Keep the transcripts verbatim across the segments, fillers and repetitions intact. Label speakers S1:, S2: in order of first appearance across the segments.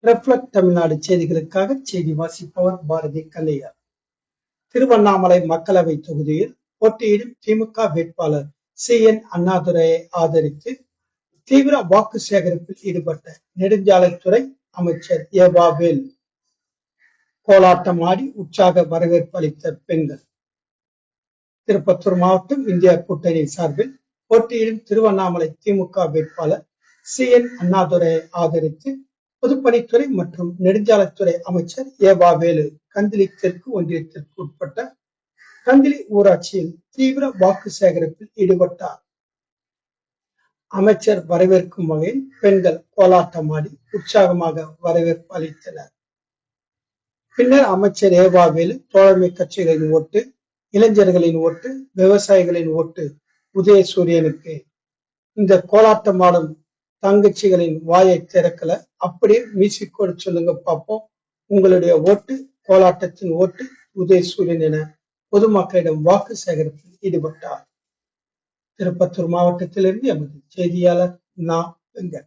S1: Reflect Tamil Nadu செய்திகளுக்காக செய்தி வாசிப்பவர் பாரதி கல்லையா. திருவண்ணாமலை மக்களவை தொகுதியில் போட்டியிடும் திமுக வேட்பாளர் சி என் அண்ணாதுரையை ஆதரித்து தீவிர வாக்கு சேகரிப்பில் ஈடுபட்ட நெடுஞ்சாலைத்துறை அமைச்சர் ஏவா வேலு கோலாட்டம் ஆடி உற்சாக வரவேற்பு அளித்த பெண்கள். திருப்பத்தூர் மாவட்டம் இந்தியா கூட்டணி சார்பில் போட்டியிடும் திருவண்ணாமலை திமுக வேட்பாளர் சி என் அண்ணாதுரையை ஆதரித்து பொதுப்பணித்துறை மற்றும் நெடுஞ்சாலைத்துறை அமைச்சர் ஏவா வேலு கந்திலி தெற்கு ஒன்றியத்திற்கு உட்பட்ட கந்திலி ஊராட்சியில் தீவிர வாக்கு சேகரிப்பில் ஈடுபட்டார். அமைச்சர் வரவேற்கும் வகையில் பெண்கள் கோலாட்டமாடி உற்சாகமாக வரவேற்பு அளித்தனர். பின்னர் அமைச்சர் ஏவா வேலு தோழமை கட்சிகளின் ஓட்டு, இளைஞர்களின் ஓட்டு, விவசாயிகளின் ஓட்டு உதயசூரியனுக்கு. இந்த கோலாட்டமாடும் தங்கச்சிகளின் வாயை திறக்கல, அப்படியே மியூசிக்கோடு சொல்லுங்க பார்ப்போம், உங்களுடைய ஓட்டு கோலாட்டத்தின் ஓட்டு உதயசூரியன் என பொதுமக்களிடம் வாக்கு சேகரிப்பில் ஈடுபட்டார். திருப்பத்தூர் மாவட்டத்திலிருந்து எமது செய்தியாளர் நா வெங்கட்.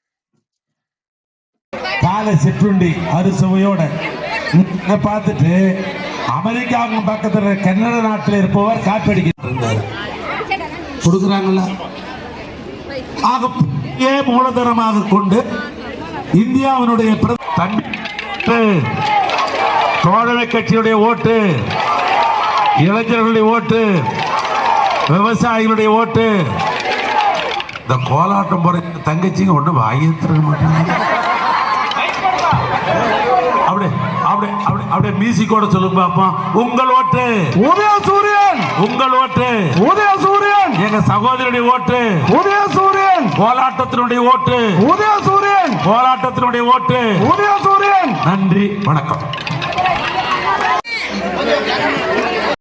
S2: காலை சிற்றுண்டி அறுசுவையோட பார்த்துட்டு அமெரிக்காவுக்கு பக்கத்துல கன்னட நாட்டில் இருப்பவர் காப்பீடுகிறார் கொடுக்குறாங்கல்ல. ஆக மூலதனமாக கொண்டு இந்தியாவினுடைய தோழமை கட்சியுடைய ஓட்டு, இளைஞர்களுடைய ஓட்டு, விவசாயிகளுடைய ஓட்டு, இந்த கோலாட்டம் போற தங்கச்சிங்க ஒண்ணு வாங்கிட்டு மாட்டாங்க. அப்படியே அப்படியே அப்படியே அப்படியே மியூசிக்கோட சொல்லுங்க பாப்போம். உங்கள் ஓட்டு உதயசூரியன், உங்கள் ஓட்டு உதயசூரியன், எங்க சகோதரனுடைய ஓட்டு உதயசூரியன், கோலாட்டத்தினுடைய ஓட்டு உதயசூரியன், கோலாட்டத்தினுடைய ஓட்டு உதயசூரியன். நன்றி, வணக்கம்.